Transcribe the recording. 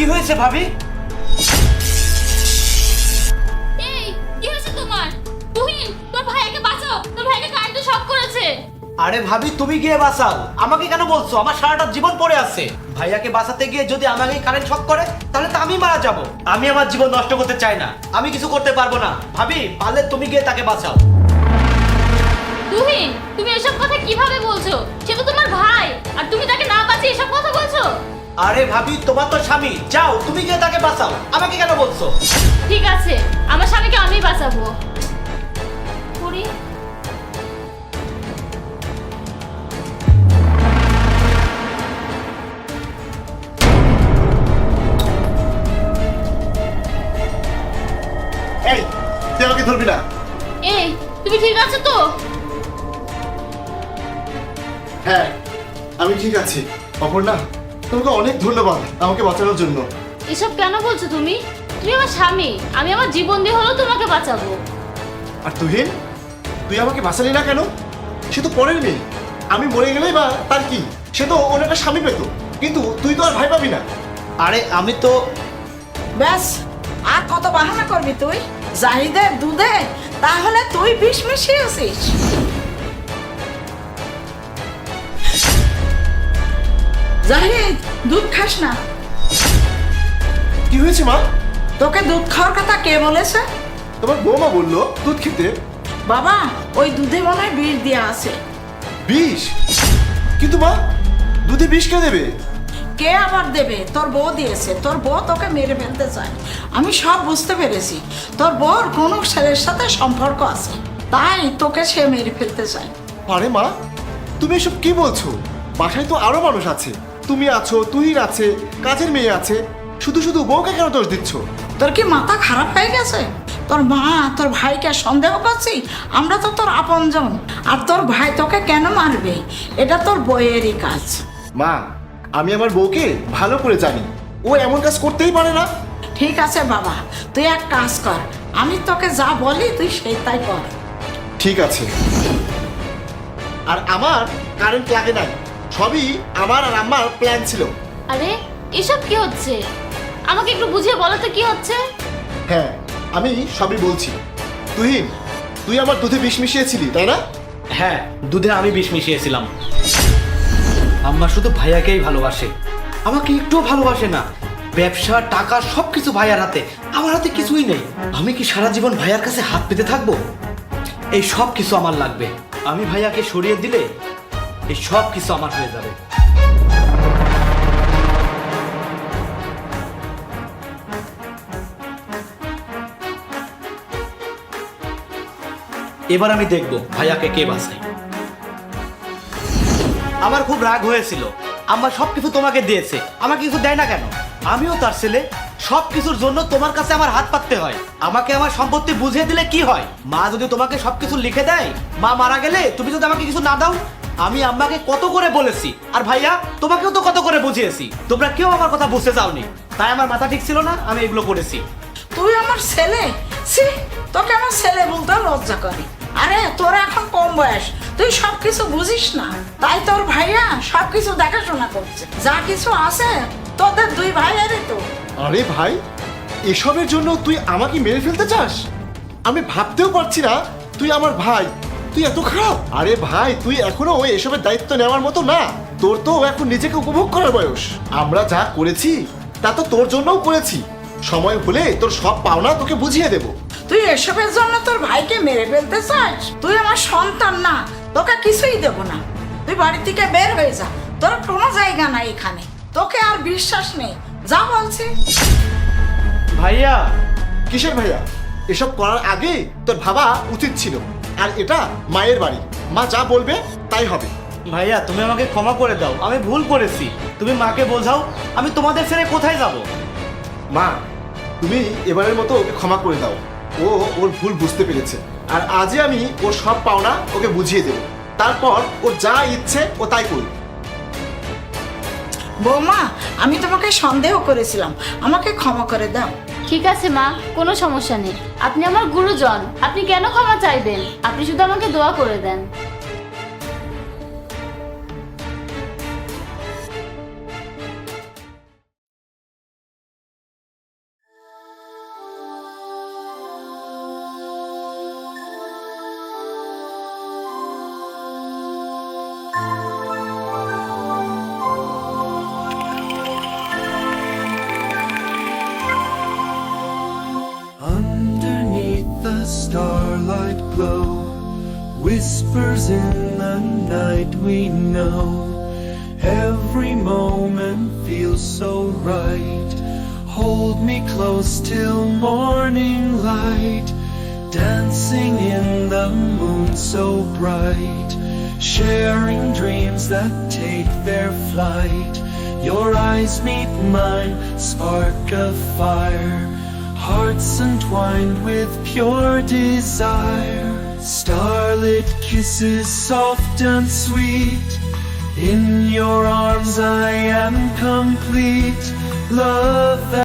কি হয়েছে ভাবি? এই কি হয়েছে তোমার? তুহিন, তোর ভাইকে বাঁচাও, তোর ভাইকে কারেন্টে শক করেছে। আরে ভাবি তুমি গিয়ে বাঁচাও, আমাকে কেন বলছো? আমার সারাটা জীবন পড়ে আছে। ভাইয়াকে বাঁচাতে গিয়ে যদি আমাকে কারেন্ট শক করে তাহলে তো আমি মারা যাব। আমি আমার জীবন নষ্ট করতে চাই না, আমি কিছু করতে পারবো না। ভাবি পারলে তুমি গিয়ে তাকে বাঁচাও। তুহিন, তুমি এসব কথা কিভাবে বলছো? সে তো তোমার ভাই, আর তুমি তাকে না বাঁচিয়ে এসব কথা বলছো? আরে ভাবি তোমার তো স্বামী, যাও তুমি গিয়ে তাকে বাঁচাও, আমাকে কেন বলছো? ঠিক আছে, আমার স্বামীকে আমি বাঁচাবো। করি। এই তুই আমাকে ধরবি না। এই, তুমি ঠিক আছো তো? হ্যাঁ আমি ঠিক আছি। অপর্ণা, তোমাকে অনেক ধন্যবাদ আমাকে বাঁচানোর জন্য। এসব কেন বলছো তুমি? তুমি আমার স্বামী, আমি আমার জীবন দিয়ে হলেও তোমাকে বাঁচাবো। আর তুহিন, তুই আমাকে বাঁচালি না কেন? সে তো পরের মেয়ে, আমি মরে গেলেই বা তার কি? সে তো ওর একটা স্বামী পেত, কিন্তু তুই তো আর ভাই পাবি না। আরে আমি তো ব্যাস, আর কত বাহানা করবি তুই? জাহিদের দুধে তাহলে তুই বিষ মিশিয়েছিস। জাহিদ, দুধ খাস না। কি হয়েছে মা? তোকে দুধ খাওয়ার কথা কে বলেছে? তোমার বৌমা বললো দুধ খেতে। বাবা, ওই দুধে মনে হয় বিষ দেওয়া আছে। বিষ? কিন্তু মা, দুধে বিষ কে দেবে? কে আবার দেবে? তোর বউ দিয়েছে। তোর বউ তোকে মেরে ফেলতে চায়। আমি সব বুঝতে পেরেছি। তোর বউর কোনো ছেলের সাথে সম্পর্ক আছে, তাই তোকে সে মেরে ফেলতে চায়। আরে মা, তুমি এসব কি বলছো? বাসায় তো আরো মানুষ আছে, তুমি আছো, তুহিন আছে, কাজের মেয়ে আছে, শুধু শুধু বউকে কেন দোষ দিচ্ছ? তোর কি মাথা খারাপ হয়ে গেছে? তোর মা তোর ভাইকে সন্দেহ করছি? আমরা তো তোর আপনজন। আর তোর ভাই তোকে কেন মারবে? এটা তোর বইয়েরই কাজ। মা, আমি আমার বউকে ভালো করে জানি, ও এমন কাজ করতেই পারে না। ঠিক আছে বাবা, তুই এক কাজ কর, আমি তোকে যা বলি তুই সেই তাই কর। ঠিক আছে। আর আমার কারেন্ট লাগে নাই, সবই আমার আর আমার প্ল্যান ছিল। আরে এসব কি হচ্ছে? আমাকে একটু বুঝিয়ে বলো তো কি হচ্ছে? হ্যাঁ, আমি সবই বলছি। তুহিন, তুই আমার দুধে বিষ মিশিয়েছিলি তাই না? হ্যাঁ, দুধে আমি বিষ মিশিয়েছিলাম। আম্মা শুধু ভাইয়াকেই ভালোবাসে, আমাকে একটুও ভালোবাসে না। ব্যবসা, টাকা সবকিছু ভাইয়ার হাতে, আমার হাতে কিছুই নেই। আমি কি সারা জীবন ভাইয়ার কাছে হাত পেতে থাকবো? এই সব কিছু আমার লাগবে। আমি ভাইয়াকে সরিয়ে দিলে এই সব কিছু আমার হয়ে যাবে। এবার আমি দেখবো ভাইয়াকে কে বাঁচায়। আমার খুব রাগ হয়েছিল, আমার সবকিছু তোমাকে দিয়েছে, আমাকে কিছু দেয় না কেন? আমিও তার ছেলে, সবকিছুর জন্য তোমার কাছে আমার হাত পাততে হয়। আমাকে আমার সম্পত্তি বুঝিয়ে দিলে কি হয়? মা যদি তোমাকে সবকিছু লিখে দেয়, মা মারা গেলে তুমি যদি আমাকে কিছু না দাও? আমি আম্মাকে কত করে বলেছি, আর ভাইয়া তোমাকেও তো কত করে বুঝিয়েছি, তোমরা কেউ আমার কথা বুঝতে চাওনি। তাই আমার মাথা ঠিক ছিল না, আমি এগুলো করেছি। তুই আমার ছেলে? সি, তোকে আমার ছেলে বলতে লজ্জা করে। আরে তোর এখন কম বয়স, তুই সবকিছু বুঝিস না, তাই তোর ভাইয়া সবকিছু দেখাশোনা করছে। যা কিছু আছে তোদের দুই ভাইয়েরই তো। আরে ভাই, এসবের জন্য তুই আমাকে মেরে ফেলতে চাস? আমি ভাবতেও পারছি না তুই আমার ভাই, তুই এত খারাপ। আরে ভাই, তুই এখনো এসবের দায়িত্ব নেওয়ার মতো না। তোর তো এখন নিজেকে উপভোগ করার বয়স। আমরা যা করেছি তা তো তোর জন্যও করেছি। সময় হলে তোর সব পাওনা তোকে বুঝিয়ে দেব। তুই এসবের জন্য তোর ভাইকে মেরে ফেলতে চাস? তুই আমার সন্তান না, তোকে কিছুই দেব না। তুই বাড়ি থেকে বের হয়ে যা, তোর কোনো জায়গা নাই এখানে। তোকে আর বিশ্বাস নেই, যা বলছি। ভাইয়া, কিসের ভাইয়া? এসব করার আগে তোর ভাবা উচিত ছিল। আর এটা মায়ের বাড়ি, মা যা বলবে তাই হবে। ভাইয়া তুমি আমাকে ক্ষমা করে দাও, আমি ভুল করেছি। তুমি মাকে বোঝাও, আমি তোমাদের ছেড়ে কোথায় যাব? মা, তুমি এবারের মতো ওকে ক্ষমা করে দাও। ও ওর ভুল বুঝতে পেরেছে, আর আজই আমি ওর সব পাওনা ওকে বুঝিয়ে দেব। তারপর ওর যা ইচ্ছে ও তাই করবে। বৌমা, আমি তোমাকে সন্দেহ করেছিলাম, আমাকে ক্ষমা করে দাও। ঠিক আছে মা, কোনো সমস্যা নেই। আপনি আমার গুরুজন, আপনি কেন ক্ষমা চাইবেন? আপনি শুধু আমাকে দোয়া করে দেন। whispers in the night we know. Every moment feels so right. Hold me close till morning light. Dancing in the moon so bright. Sharing dreams that take their flight. Your eyes meet mine, spark a fire. Hearts entwined with pure desire. Starlit kisses soft and sweet. In your arms I am complete. Love